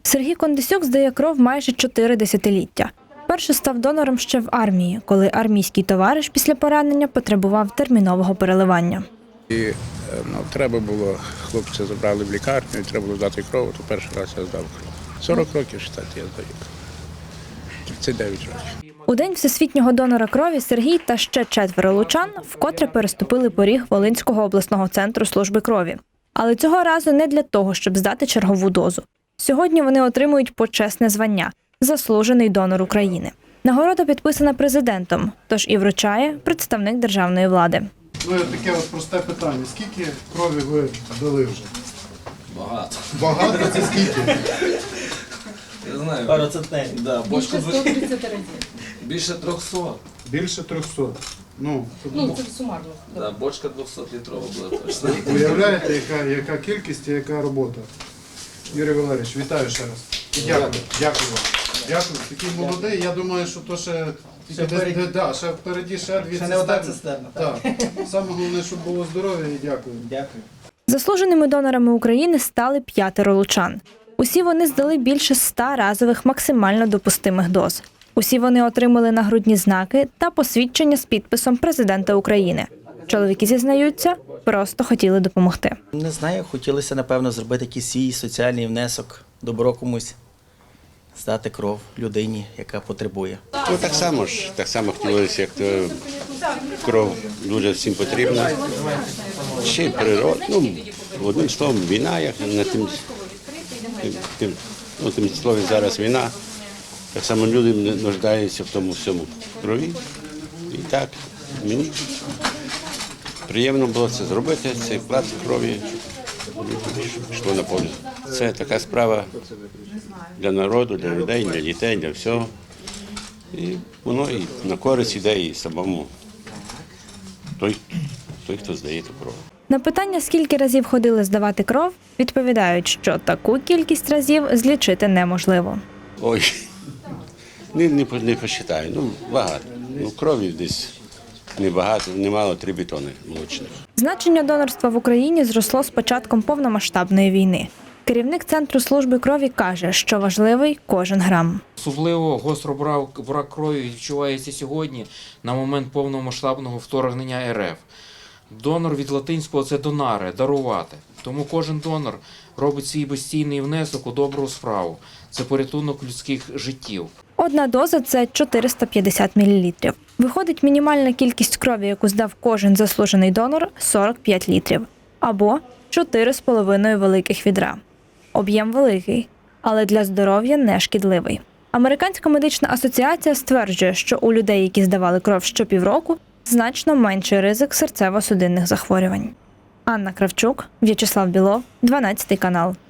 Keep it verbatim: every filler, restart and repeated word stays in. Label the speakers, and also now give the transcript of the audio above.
Speaker 1: Сергій Кондисюк здає кров майже чотири десятиліття. Перше став донором ще в армії, коли армійський товариш після поранення потребував термінового переливання.
Speaker 2: І ну, треба було, хлопця забрали в лікарню, і треба було здати кров, то перший раз я здав кров. сорок років, вважайте, я здаю кров. тридцять дев'ять років.
Speaker 1: У день всесвітнього донора крові Сергій та ще четверо лучан вкотре переступили поріг Волинського обласного центру служби крові. Але цього разу не для того, щоб здати чергову дозу. Сьогодні вони отримують почесне звання – «Заслужений донор України». Нагорода підписана президентом, тож і вручає представник державної влади.
Speaker 3: Ну, таке от просте питання. Скільки крові ви дали вже?
Speaker 4: Багато.
Speaker 3: Багато? Це скільки?
Speaker 4: Я знаю.
Speaker 5: Пару центнерів.
Speaker 4: Да, бочку
Speaker 6: Більше сто тридцять разів.
Speaker 4: більше трьохсот.
Speaker 3: Більше трьохсот. Ну,
Speaker 6: Ну, це сумарно.
Speaker 4: Да, бочка двохсотлітрова була точно.
Speaker 3: уявляєте, яка, яка кількість і яка робота. Юрій Валерійович, вітаю ще раз. І дякую. Дякую вам. Дякую. Такий молодий. Я думаю, що то ще,
Speaker 5: Ще впереді.
Speaker 3: де- да, ще впереді ще дві
Speaker 5: Ще не одна
Speaker 3: цистерни.
Speaker 5: цистерна.
Speaker 3: Так. Саме головне, щоб було здоров'я, і дякую.
Speaker 5: Дякую.
Speaker 1: Заслуженими донорами України стали п'ятеро лучан. Усі вони здали більше ста разових максимально допустимих доз. Усі вони отримали нагрудні знаки та посвідчення з підписом президента України. Чоловіки зізнаються, просто хотіли допомогти.
Speaker 5: Не знаю, хотілося, напевно, зробити якийсь свій соціальний внесок, добро комусь, здати кров людині, яка потребує.
Speaker 7: Ну, так само ж, так само хотілося, як то кров дуже всім потрібна. Ще й природа, ну, одним словом, війна, як на тим, тим, тим, ну, тим слові зараз війна. Так само люди нуждаються в тому всьому крові. І так, мені приємно було це зробити, цей вклад крові йшло на пользу. Це така справа для народу, для людей, для дітей, для всього. І воно і на користь іде і самому той, той, хто здає ту кров.
Speaker 1: На питання, скільки разів ходили здавати кров, відповідають, що таку кількість разів злічити неможливо.
Speaker 7: Ой, не, не, не посчитаю, ну багато. Ну, крові десь небагато, немало, три бетони молочних.
Speaker 1: Значення донорства в Україні зросло з початком повномасштабної війни. Керівник Центру служби крові каже, що важливий кожен грам.
Speaker 8: Особливо гостро брак, брак крові відчувається сьогодні на момент повномасштабного вторгнення ер еф. Донор від латинського – це донаре, дарувати. Тому кожен донор робить свій безцінний внесок у добру справу. Це порятунок людських життів.
Speaker 1: Одна доза – це чотириста п'ятдесят мілілітрів. Виходить, мінімальна кількість крові, яку здав кожен заслужений донор – сорок п'ять літрів. Або чотири з половиною великих відра. Об'єм великий, але для здоров'я не шкідливий. Американська медична асоціація стверджує, що у людей, які здавали кров щопівроку, значно менший ризик серцево-судинних захворювань. Анна Кравчук, В'ячеслав Білов, дванадцятий канал.